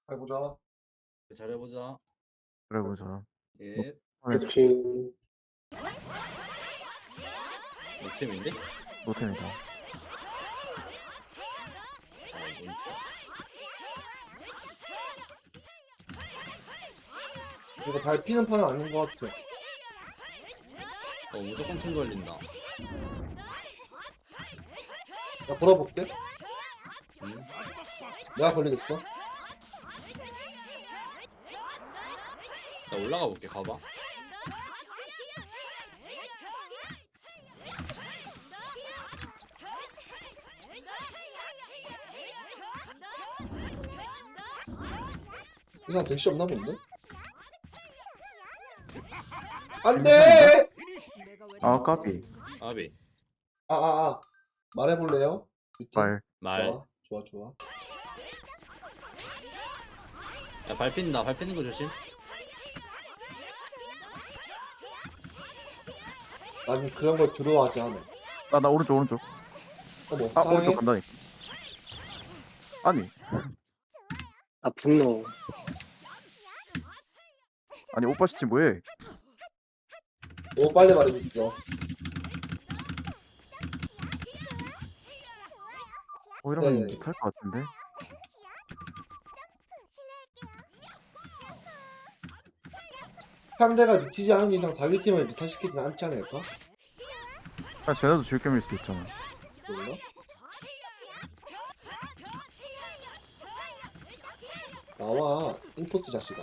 해보자. 잘해보자. 그래 보자. 예. 파이팅. 노템인데? 노템이다. 아, 이거 이거 밟히는 판은 아닌 것 같아. 무조건 팀 걸린다. 나 걸어볼게. 응? 내가 걸리겠어. 나 올라가 볼게. 가봐. 이 사람 대시 없나 본데? 안 돼! 아 까비. 아비. 말해볼래요? 말. 말. 좋아, 좋아. 야, 밟힌다. 밟히는 거 조심. 난 그런 걸 두려워하지 않아. 나 오른쪽. 어머, 아 싸해? 오른쪽 간다니까. 아니 아 분노. 오빠 시치 뭐해? 너무 빨리 말해줬어. 이러면 네. 못할 것 같은데. 상대가 미치지 않은 이상 자기 팀을 미탈시키진 않지 않을까? 아 쟤네도 질겜일 수도 있잖아. 몰라? 나와, 인포스 자식아.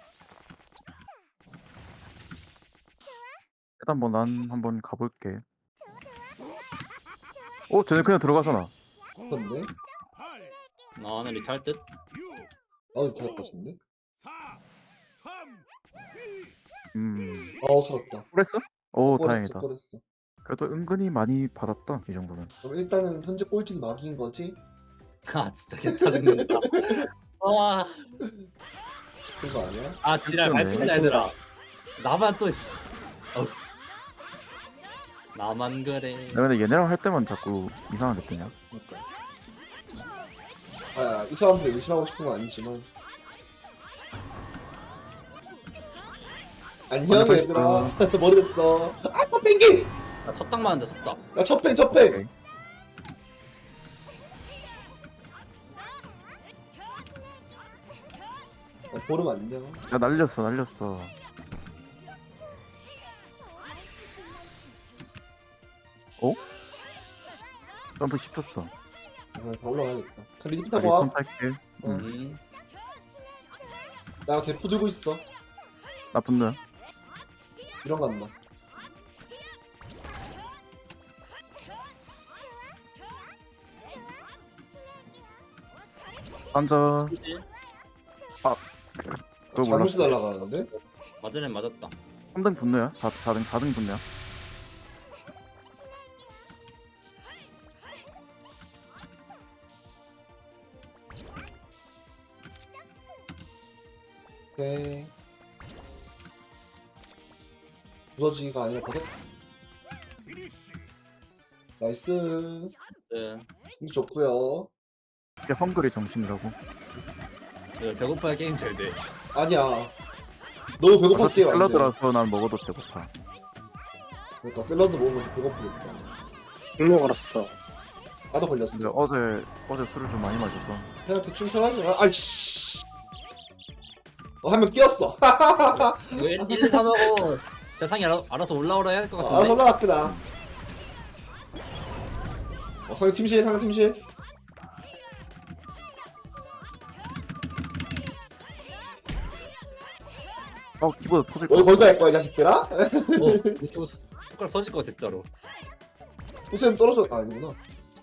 일단 뭐 난 한번 가볼게. 쟤네 그냥 들어가잖아. 근데? 나는 리탈 듯? 나도 잘할 것 같은데? 서럽다. 그랬어? 오 다행이다. 꺼냈어. 그래도 은근히 많이 받았다 이 정도는. 그럼 일단은 현재 꼴찌는 막인 거지? 아, 진짜 개짜증난다. 와. 그거 아니야? 아, 지랄 그러네. 밟힌다, 얘들아. 나만 또, 씨. 어휴. 나만 그래. 내가 근데 얘네랑 할 때만 자꾸 이상하게 뜨냐? 그러니까. 이 사람들 의심하고 싶은 건 아니지만. 안녕 먼저 얘들아. 머리 됐어. 아, pen기! 나 첫 땅 맞는데 섰다. 야, 첫팽! 오케이. 보름 안녕. 야 날렸어. 점프 씹혔어. 다 올라가야겠다. 그럼 리듬 나 타고 와. 리스폰 탈게. 음. 나 대포 들고 있어. 나 분노야. 이런 거 한다. 앉아. 그치? 그거 잘못이 몰랐어. 날아가는데? 맞은 애 맞았다. 3등 분노야. 4등 분노야. 오케이. 부서지기가 아니라 버섯. 나이스. 네. 이거 좋구요. 이게 헝그리 정신이라고. 이거 배고파야 게임 잘 돼. 아니야. 너무 배고팠게 안 돼. 샐러드라서 난 먹어도 배고파. 그러니까 샐러드 먹으면 배고프겠다. 분노 걸었어. 나도 걸렸어. 근데 어제 술을 좀 많이 마셔서. 그냥 대충 편하게. 아이씨. 한 명 끼었어. 이거 1, 2, 3 하고 대상이 알아서 올라오라 해야 할 것 아, 같은데? 올라갔구나. 상대 팀실. 키보드 터질 어디 거. 거기다 할 거야, 이 자식들아? 이렇게 손가락 서질 것 같아, 진짜로. 우선 떨어져. 아니구나.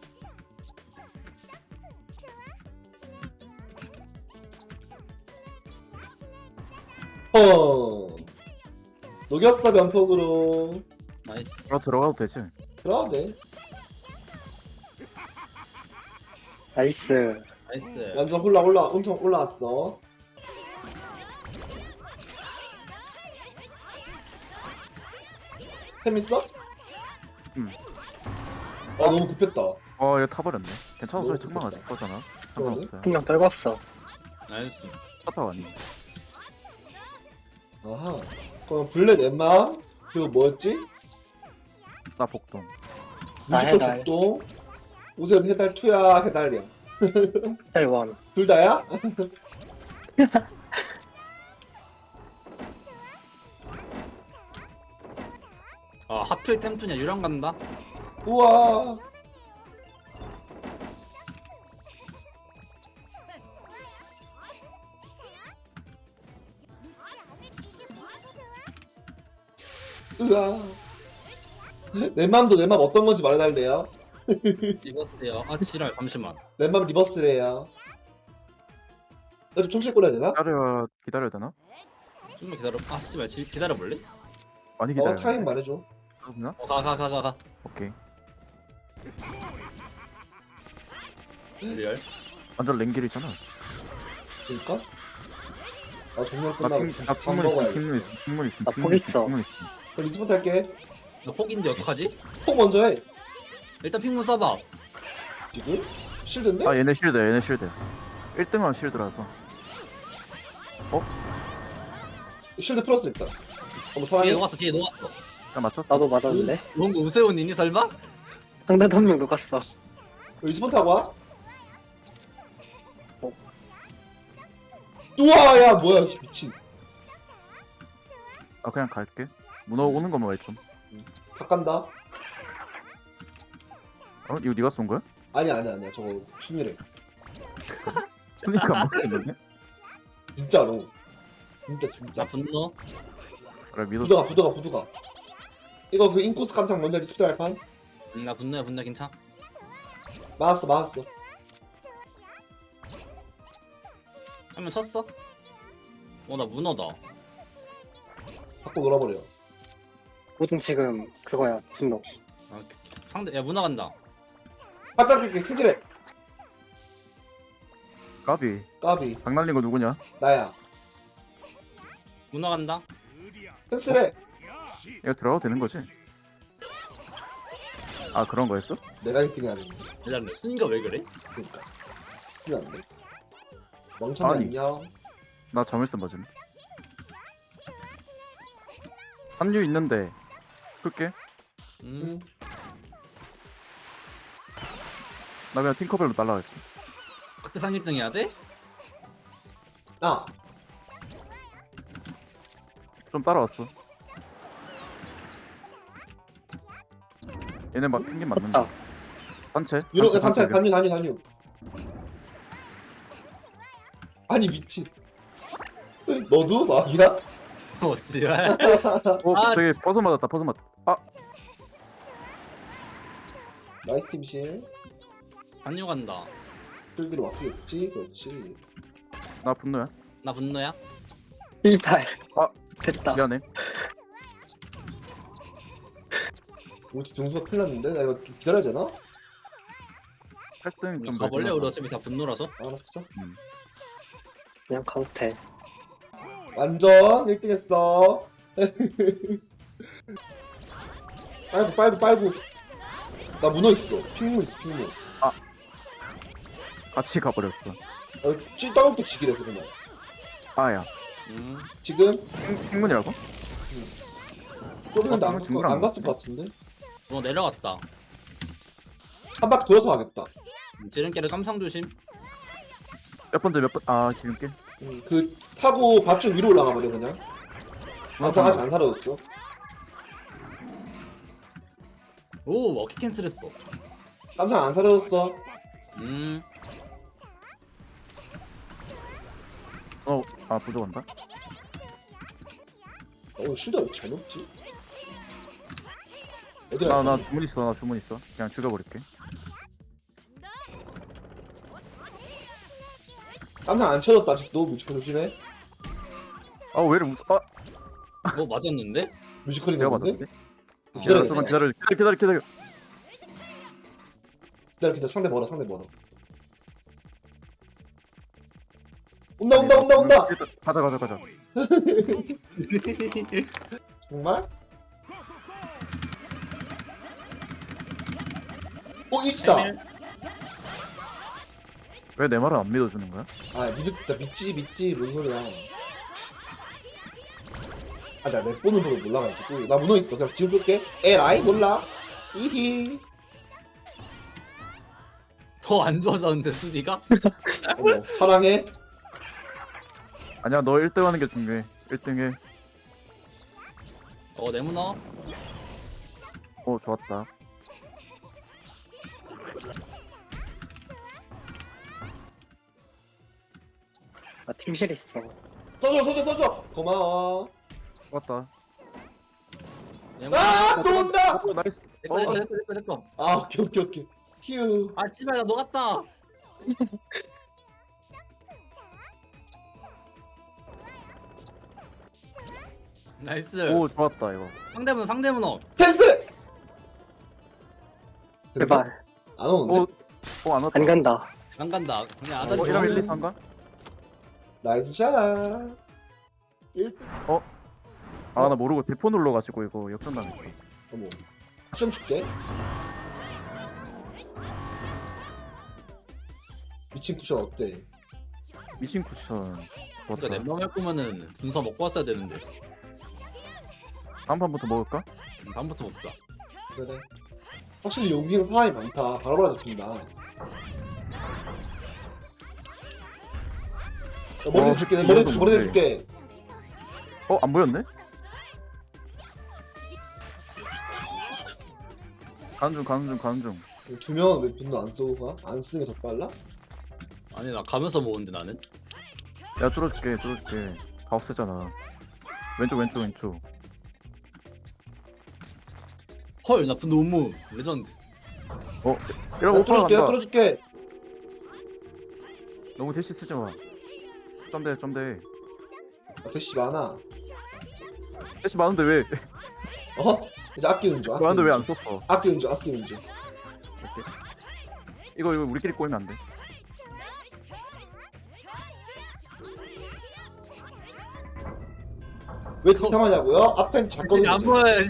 녹였다, 면폭으로. 나이스. 들어가도 되지. 그러면 돼. 나이스. 나이스. 완전 엄청 올라왔어. 템 있어? 응. 너무 급했다. 얘 타버렸네. 괜찮아. 소리 너무 책망하지 좋겠다. 거잖아. 그러네. 상관없어요. 한 명 떨궜어. 나이스. 차타 왔니? 아하. 그럼 블랙 엠마 그리고 뭐였지? 나 복동. 나 뮤지컬 해달. 복동. 우선 해달 2야 해달이야. 헬원. 둘 다야? 아 하필 템프냐 유령 간다. 우와. 으아. 내 맘도 내 맘 어떤 건지 말해달래요. 입었어요. 아 지랄 잠시만. 내 맘 리버스래요. 나좀 총실 꺼내야 되나? 기다려야 되나? 좀만 기다려. 아 씨발 기다려 볼래? 많이 기다려. 타임 말해줘. 그렇나? 가. 오케이. 리얼. 완전 랭길이잖아. 그니까? 아 정말 나 끝나고 핑, 밥 먹어야지. 핑문 있음. 나 포기 있어. 핑문 있음. 그럼 리스부터 할게. 나 폭인데 어떡하지? 폭 먼저 해. 일단 핑문 써봐. 지금? 실드인데? 아 얘네 실드. 1등은 실드라서. 실드 풀었어 일단. 어머 뒤에 사랑해. 녹았어. 뒤에 녹았어. 나 맞췄어. 나도 맞았는데. 뭔 거 우세훈 있니 설마? 상대도 한 명 녹았어. 리스폰 타고 와. 우와 야 뭐야 미친. 아 그냥 갈게. 문어 오는 것만 왜 좀. 다 간다. 어? 이거 네가 쏜 거야? 아니야 저거 순위래. 그러니까 안 먹겠는데? 진짜로. 진짜. 나 분노. 그래 믿어. 부도가. 이거 그 인코스 깜짝 먼저 리스트 할 판? 나 분노야 괜찮아. 맞았어. 한명 쳤어? 나 문어다. 바꿔 놀아버려. 모든 지금 그거야. 분노. 아, 상대 야 문어 간다. 바닥 이렇게 캐지래. 까비. 까비. 장난린 거 누구냐? 나야. 문어 간다. 펜스래. 이거 들어가도 되는 거지? 아 그런 거였어? 내가 1등이 아니야. 기다려. 순이가 왜 그래? 그니까. 큰일 났네. 멍청이 아니. 안녕. 나 자물쇠 맞음. 한류 있는데 풀게. 음. 나 그냥 팅커벨로 날라갈게. 그때 상 1등 해야 돼? 아. 좀 따라왔어. 얘네 막 펭귄 맞는다. 아. 단체? 유로 단체. 단유. 아니 미친. 너도 막이야? 씨발. 아. 저기 버섯 맞았다. 아 나이스 팀실. 단유 간다. 끌기로 왔겠지. 그렇지. 나 분노야. 나 분노야. 1팔. 아. 됐다. 미안해. 우리 등수가 큰일 났는데? 나 이거 좀 기다려야 되나? 8등 좀 가볼래? 우리 어차피 다 분노라서. 알았어. 그냥 가도 돼. 완전 1등 했어. 빨고. 나 문어 있어. 핑문 있어, 핑문. 같이 가버렸어. 찐따먹도 지기래, 그러면. 아야. 지금, 핑문이라고? 쪼개는데 핑문 중구랑 안 갔을 것 같은데? 문어 내려갔다. 한 바퀴 돌아서 가겠다. 지름길에 깜상 조심. 몇 번째 몇 번? 아 지름길? 그, 타고 밭쪽 위로 올라가 버려, 그냥. 아까 아직 안 사라졌어. 오 워키 캔슬했어. 깜짝 안 사라졌어. 아 부족한다? 쉴드 왜 잘 높지? 얘들아, 나 주문 있어. 그냥 죽여버릴게. 깜짝 안 쳐졌다, 아직도. 뮤지컬 조심해. 아 왜 이래 무서? 아 맞았는데? 뮤지컬이 내가 나오는데? 맞았는데? 기다려, 잠깐 기다려. 기다려. 상대 멀어. 온다. 가자. 정말? 일치다. 왜 내 말을 안 믿어주는 거야? 아 믿지 뭔 소리야. 아 나 몇 번을 보고 몰라가지고 나 문어 있어. 그냥 지금 쏠게. 에라이 몰라. 이히. 더 안 좋아졌는데 수비가? 어머 사랑해. 아니야 너 1등 하는 게 중요해. 1등 해. 내 문어. 좋았다. 나 팀실 있어. 써줘. 고마워. 좋았다. 내 문어. 또 온다. 나이스. 내꺼. 아 오케이. 휴. 아 씨발 나 녹았다. 나이스. 좋았다 이거. 상대 문어. 텐스. 제발. 안 오는데? 안 왔다. 안 간다. 안 간다. 그냥 아다리. 1랑 1, 2, 3가? 나이스 샷. 1등. 나 모르고 대포 눌러가지고 이거 역전당했어. 어머. 시험 줄게. 미친 쿠션 어때? 미신 쿠션. 그러니까 좋았다. 넷만 할 거면은 분사 먹고 왔어야 되는데. 다음 판부터 먹을까? 다음부터 먹자. 그래. 확실히 여기는 사람이 많다. 바로바로 잡힌다. 머리 줄게. 머리 줄게. 안 보였네? 가는 중. 두 명은 왜 분노 안 쓰고 가? 안 쓰는 게 더 빨라? 아니 나 가면서 먹는데 나는. 야 뚫어줄게. 다 없애잖아. 왼쪽. 헐 나 분노 음모 레전드. 이러고 오빠 간다. 뚫어줄게. 너무 대시 쓰지 마. 점대. 아, 대시 많아. 대시 많은데 왜? 이제 아끼는 줄. 많은데 왜 안 썼어? 아끼는 줄. 이거 우리끼리 꼬이면 안 돼. 왜 득템하냐고요? 앞엔 작거든요. 안 보여.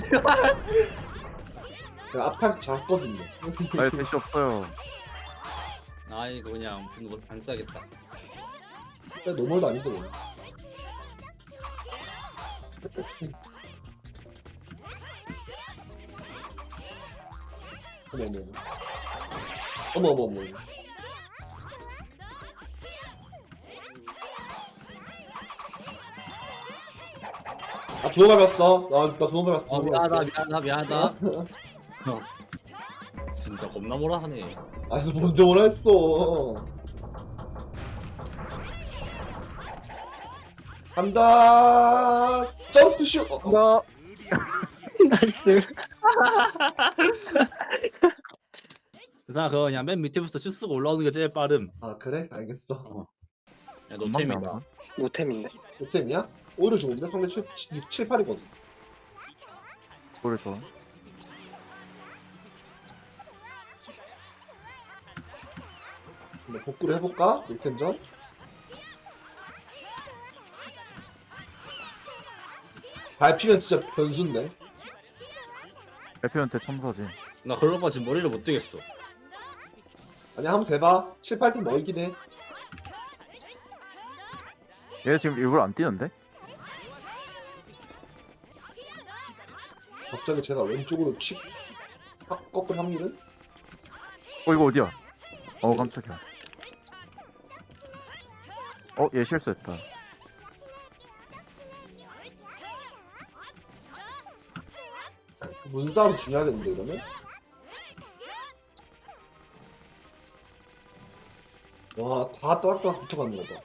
제가 앞엔 작거든요. 아예 대시 없어요. 아 이거 그냥 분노 안 써야겠다. 노멀도 아닌데 뭐. 어머. 아, 두어 밟았어. 나 두어 밟았어. 미안하다. 진짜 겁나 뭐라 하네. 아, 너 먼저 뭐라 했어. 간다. 점프슛. 나 나이스. 그냥 그거 그냥 맨 밑에부터 슛 쓰고 올라오는 게 제일 빠름. 아, 그래? 알겠어. 야 노템이다. 노템인데. 노템이야? 오히려 좋은데? 상대 6, 7, 8이거든. 노래 좋아. 근데 복구를 해볼까? 1텐전? 밟히면 진짜 변수인데. 대표한테 첨사지. 나 그런 거 지금 머리를 못 뜨겠어. 아니, 한번 대봐. 7, 8등 멀긴 해. 얘 지금 일부러 안 뛰는데? 갑자기 제가 왼쪽으로 꺾은 확률은? 이거 어디야? 깜짝이야. 얘 실수했다. 문싸움 중요하겠는데, 이러면? 와, 다 또락또락 붙어가는 거다.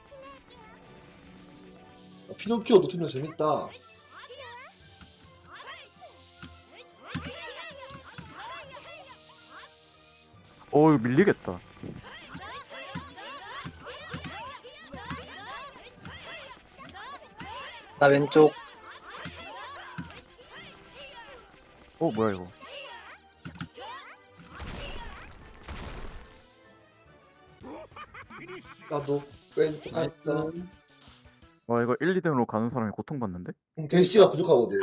피노키오 노트면 재밌다. 이거 밀리겠다. 나 왼쪽. 뭐야 이거? 나도 왼쪽 갔어. 와 이거 1, 2등으로 가는 사람이 고통받는데? 대시가 부족하거든.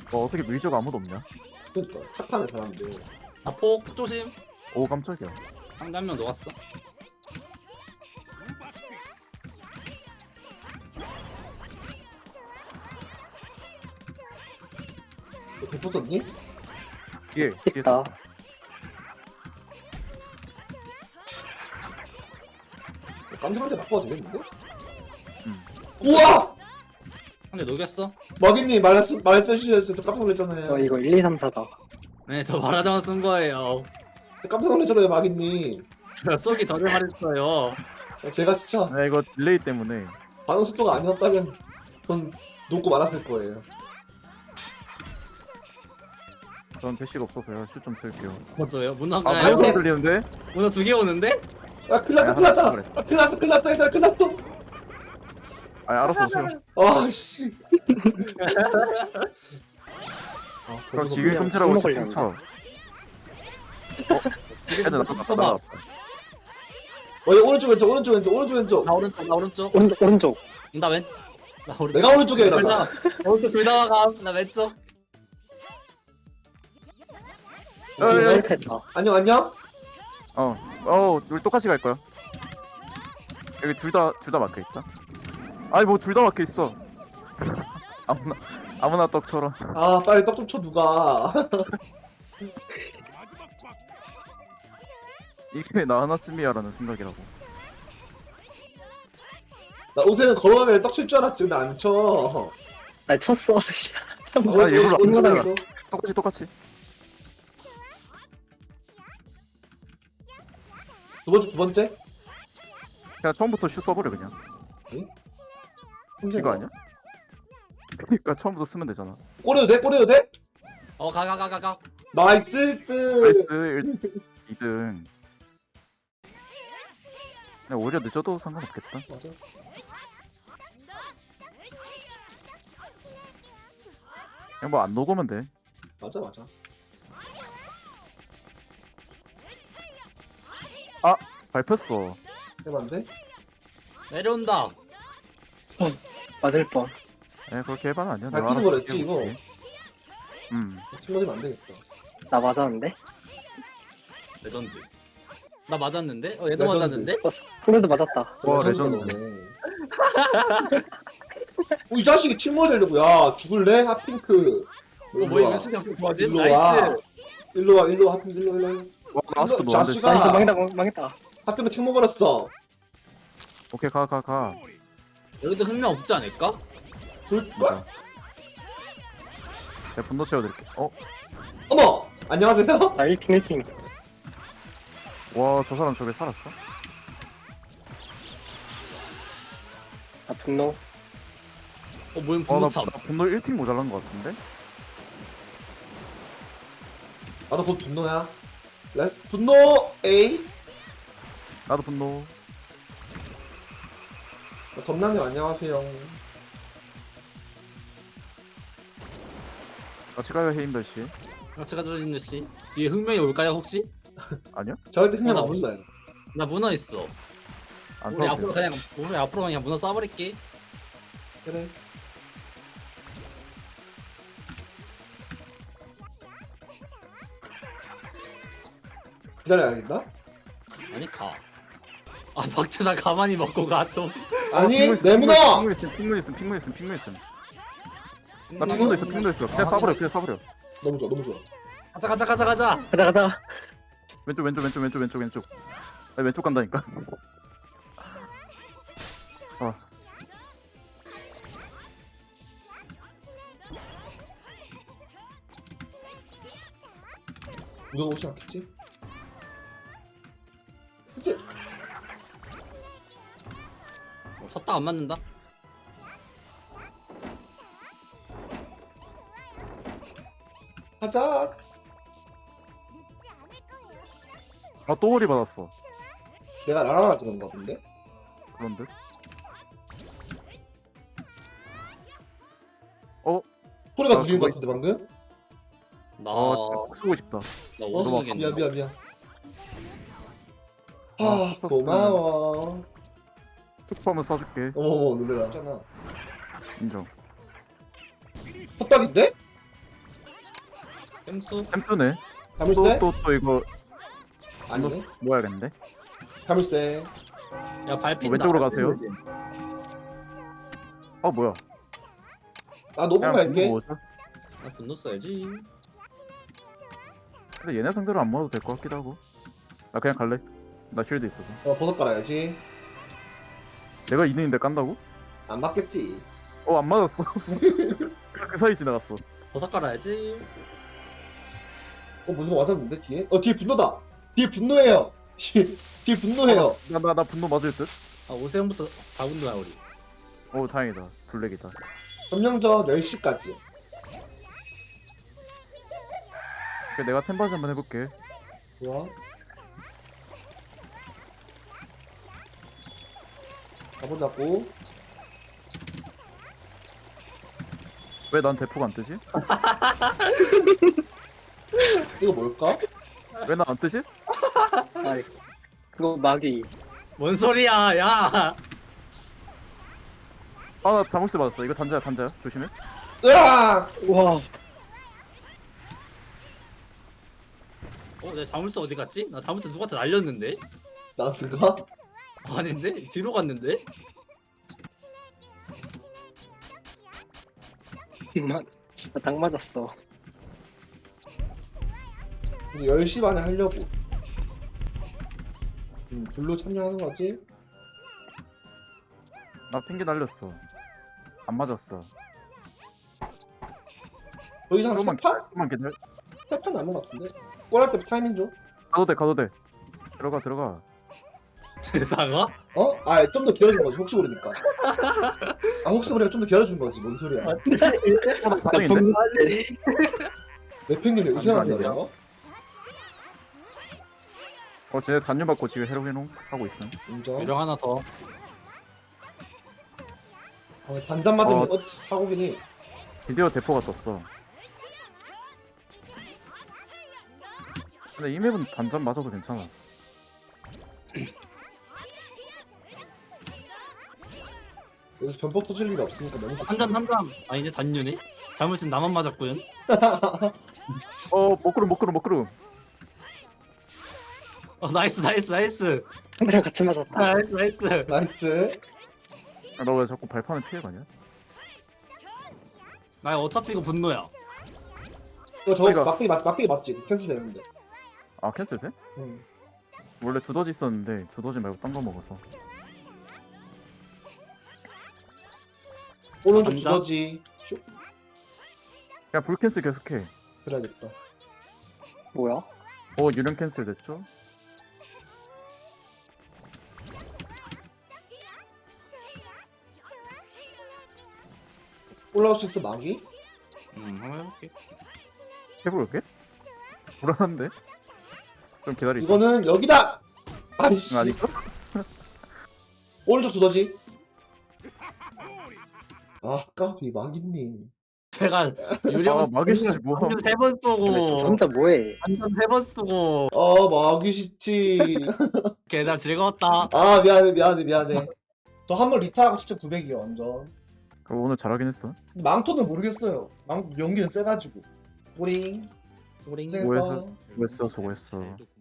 어떻게 밀저가 아무도 없냐? 그러니까 착하네 사람들. 나폭 조심. 오 깜짝이야. 상대 한 명 녹았어. 너 붙었니? 뒤에 있다. 깜짝한테 바꿔도 되겠는데? 음. 우와! 상대 녹였어. 마기님 말씀해주셨을 때 깜짝 놀랐잖아요. 이거 1, 2, 3, 4다. 네, 저 말하자마 쓴 거예요. 깜짝 놀랐잖아요 마기님. 제가 쏘기 전에 말했어요. 제가 진짜 아 이거 딜레이 때문에. 반응 속도가 아니었다면 전 녹고 말았을 거예요. 전 대시가 없어서요. 슛 좀 쓸게요. 맞아요. 문어 아 네. 가요? 무슨 들리는데? 문어 2개 오는데? 아 큰일났다 큰일났다. 아 큰일났다 얘들아 큰일났어. 아 알았어 오세요. 아씨. 그럼 지금 끔찍하고 손목 집중 쳐. 애들 나갔다. 어 오른쪽 왼쪽 오른쪽 왼쪽 오른쪽 왼쪽. 나 오른쪽, 나 오른쪽. 오른쪽. 나 왼. 나 오른쪽. 내가 오른쪽에 둘 일어나. 다. 오른쪽 둘 다 막아. 나 왼쪽. 실패했다. 안녕 안녕. 우리 똑같이 갈 거야. 여기 둘 다 막혀 있다. 아니 뭐 둘 다 막혀 있어. 아무나 떡처럼. 아 빨리 떡 좀 쳐 누가. 이게 나 하나쯤이야라는 생각이라고. 나 옷에는 걸어가면 떡 칠 줄 알았지 근데 안 쳐. 아 쳤어. 아, 일부러 안 얼마나 쳐요. 똑같이. 두 번째? 그냥 처음부터 슛 써버려 그냥. 이거 아니야? 그러니까 처음부터 쓰면 되잖아. 꼬려도 돼? 꼬려도 돼? 가. 나이스. 나이스 2등. 그냥 오히려 늦어도 상관없겠다. 맞아. 그냥 뭐 안 녹으면 돼. 맞아. 밟혔어. 해봤는데? 내려온다. 맞을 뻔. 그렇게 해봐는 아니야. 밟히는 알아서 거랬지, 이거? 해볼게. 팀 맞으면 안 되겠다. 나 맞았는데? 레전드. 나 맞았는데? 얘도 레전드. 맞았는데? 손에도 맞았다. 와, 레전드네. 이 자식이 팀워 되려고. 야 죽을래? 핫핑크. 뭐야 이거 수경 좋아지? 일로 나이스. 와. 일로 와 핫핑크 일로 와. 와, 나 아직도 이거 노안데. 자식아. 나이스 망했다. 핫핑크 팀 먹어놨어. 오케이 가. 여기도 흥명 없지 않을까? 뭐야? 내가 분노 채워드릴게. 어머! 안녕하세요? 나 1팀. 와, 저 사람 저게 살았어? 나 분노. 뭐야 나 분노참. 분노 1팀 모자란 것 같은데? 나도 곧 분노야. 분노 A. 나도 분노. 덤남님 안녕하세요. 같이 가요, 헤임별씨. 같이 가져있는 씨. 뒤에 흥명이 올까요 혹시? 아니요? 저한테 흥명 나 없어요. 나 문어 있어. 안 우리 써도 앞으로 돼요. 그냥 문어 쏴버릴게. 그래. 기다려야겠다. 아니 가. 아 박채 나 가만히 먹고 가 좀. 아니 핑문 있음, 내 문어. 핑문 있음. 나 핑문도 있어. 그냥 쏴버려. 너무 좋아. 가자. 왼쪽. 나 왼쪽 간다니까. 문어가 오지 않겠지? 그치? 쳤다 안 맞는다. 가자. 또 머리 받았어. 내가 라라라 그런 거 같은데? 그런데? 소리가 아, 들리는 거 그거 같은데 방금? 나 진짜 꼭 쓰고 싶다. 나 어? 오동이겠네. 미안. 아, 고마워. 축포하면 쏴줄게. 어머 놀래라. 있잖아. 인정. 헛딱인데? 햄수? 템프네. 자물쇠? 또 이거 아니네. 모아야겠는데. 자물쇠. 야 발핀 왼쪽으로 가세요. 뭐야? 나 노블 그냥 갈게. 뭐죠? 나 분노 써야지. 근데 얘네 상대로 안 먹어도 될 것 같기도 하고. 나 그냥 갈래. 나 쉴드 있어서. 버섯 깔아야지. 내가 2등인데 깐다고? 안 맞겠지. 안 맞았어. 그 사이 지나갔어. 버섯 깔아야지. 무슨 거 맞았는데 뒤에? 뒤에 분노다. 뒤에 분노해요. 뒤에 분노해요. 나 분노 맞을 듯? 아 오세훈부터 다 분노야 우리. 다행이다. 블랙이다. 점령전 10시까지. 그래, 내가 템바지 한번 해볼게. 좋아. 가보자고. 왜 난 대포가 안 뜨지? 이거 뭘까? 왜 난 안 뜨지? 아 그거 마귀. 뭔 소리야 야. 나 자물쇠 맞았어. 이거 단자야. 조심해. 으아! 와 내 자물쇠 어디 갔지? 나 자물쇠 누구한테 날렸는데? 나스가? 아닌데? 뒤로 갔는데? 나당 맞았어. 이제 10시 반에 하려고. 블루 참여하는 거지? 나 핑계 날렸어. 안 맞았어. 더 이상 조금만 세판? 조금만 기다려. 세판 남은 것 같은데? 골할 때 타이밍 줘. 가도 돼. 들어가. 세상아? 좀 더 기다려준 거지, 혹시 모르니까. 혹시 모르니까 좀 더 기다려준 거지, 뭔 소리야. 나 4등인데? 내팽님이 아니야. 의심한다고요? 쟤네 단유 받고 지금 헤로게농 하고 있음. 인정. 유령 하나 더. 반잔 맞으면 사고긴 해. 드디어 대포가 떴어. 근데 이 맵은 단전 맞아도 괜찮아. 여기서 변폭 터질 일이 없으니까 너무 좋다. 한잔. 아니네 단유네. 자물쇠 나만 맞았구요. 먹구름. 나이스. 상대랑 같이 맞았다. 나이스. 나이스. 너 왜 자꾸 발판을 피해가냐? 나 어차피 이거 분노야. 이거 저거 그러니까. 막대기 맞지? 캔슬 되는데. 캔슬 돼? 응. 원래 두더지 있었는데 두더지 말고 딴 거 먹어서. 오른쪽 감자? 두더지. 슉. 그냥 불 캔슬 계속해. 그래야겠다. 뭐야? 유령 캔슬 됐죠? 올라올 수 있어, 마기? 한번 해볼게. 해볼게? 불안한데? 좀 기다리자. 이거는 여기다! 아이씨. 아닐까? 오른쪽 두더지. 까비 마기님. 제가 유령 막이시지 뭐. 한전 3번 근데 진짜 쓰고 혼자 뭐해? 한전 3번 쓰고 마기 싫지. 걔나 즐거웠다. 미안해. 저 한 번 리타하고 진짜 900이요, 완전. 오늘 잘하긴 했어. 망토는 모르겠어요. 연기는 세가지고. 뿌링. 소링. 고생했어. 수고했어.